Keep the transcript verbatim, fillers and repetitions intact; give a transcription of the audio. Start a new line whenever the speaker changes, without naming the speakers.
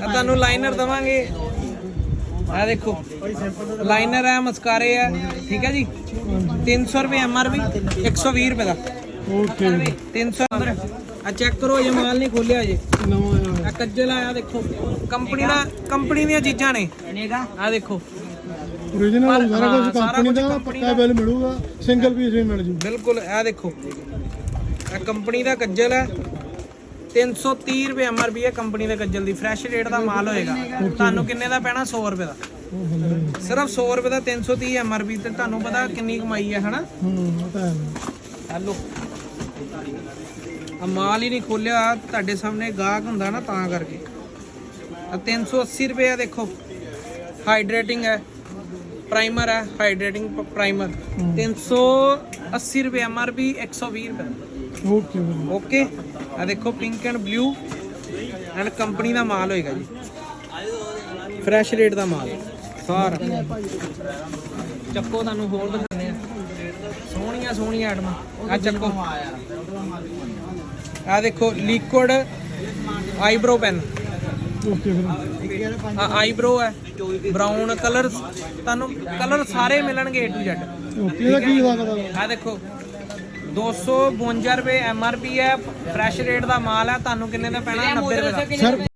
ਤੁਹਾਨੂੰ ਲਾਈਨਰ ਦਵਾਂਗੇ। ਆ ਦੇਖੋ ਲਾਈਨਰ ਹੈ, ਮਸਕਾਰੇ ਹੈ, ਠੀਕ ਹੈ ਜੀ। तीन सौ रुपये एम आर पी, एक सौ भी रुपये का।
ओके
तीन सौ अंदर आ चेक करो, ये माल नहीं खोलिया जी, कज्जल आया देखो। कंपनी का कंपनी दी चीज़ां ने, आ देखो
ओरिजिनल सारा कुछ कंपनी दा पक्का बिल मिलूगा, सिंगल पीस भी मिल जू
बिल्कुल। आ देखो आ कंपनी का कज्जल है, तीन सौ तीह रुपये एम आर पी है कंपनी के कज्जल की। फ्रैश रेट का माल होएगा। ਤੁਹਾਨੂੰ ਕਿੰਨੇ ਦਾ ਪੈਣਾ? सौ रुपये का, सिर्फ सौ रुपये का तीन सौ तीह एम आर पी। ਤੇ ਤੁਹਾਨੂੰ ਪਤਾ ਕਿੰਨੀ ਕਮਾਈ ਹੈ ਹਨਾ।
ਹੂੰ ਪਤਾ ਹੈ।
ਹੈਲੋ ਆ ਮਾਲ ਹੀ ਨਹੀਂ ਖੋਲਿਆ, ਤੁਹਾਡੇ ਸਾਹਮਣੇ ਗਾਹਕ ਹੁੰਦਾ ਨਾ ਤਾਂ ਕਰਕੇ। ਆ तीन सौ अस्सी रुपये है, देखो हाइड्रेटिंग है, प्राइमर है, हाइड्रेटिंग प्राइमर। तीन सौ अस्सी रुपये एम आर पी, एक सौ भी रुपये।
ओके
ओके आ देखो pink and blue and company का माल होएगा जी, फ्रैश रेट का माल सारा। ਚੱਕੋ ਤੁਹਾਨੂੰ ਹੋਰ ਦਿਖਾਉਂਦੇ ਆ, ਸੋਹਣੀਆਂ ਸੋਹਣੀਆਂ ਆਈਟਮਾਂ। ਆ ਚੱਕੋ, ਆ ਦੇਖੋ ਲਿਕੁਇਡ ਆਈਬ੍ਰੋ ਪੈਨ।
ओके फिर
ਆ ਆਈਬ੍ਰੋ ਹੈ, ਬਰਾਊਨ ਕਲਰ, ਤੁਹਾਨੂੰ ਕਲਰ ਸਾਰੇ ਮਿਲਣਗੇ ਏ ਟੂ ਜ਼ੈਡ।
ओके ਇਹਦਾ ਕੀ ਹਿਸਾਬ ਹੈ?
ਆ ਦੇਖੋ दो सौ बवंजा रुपये एम आर पी है, फ्रैश रेट का माल है। ਤੁਹਾਨੂੰ ਕਿੰਨੇ ਦਾ ਪੈਣਾ? नब्बे रुपये का।
सर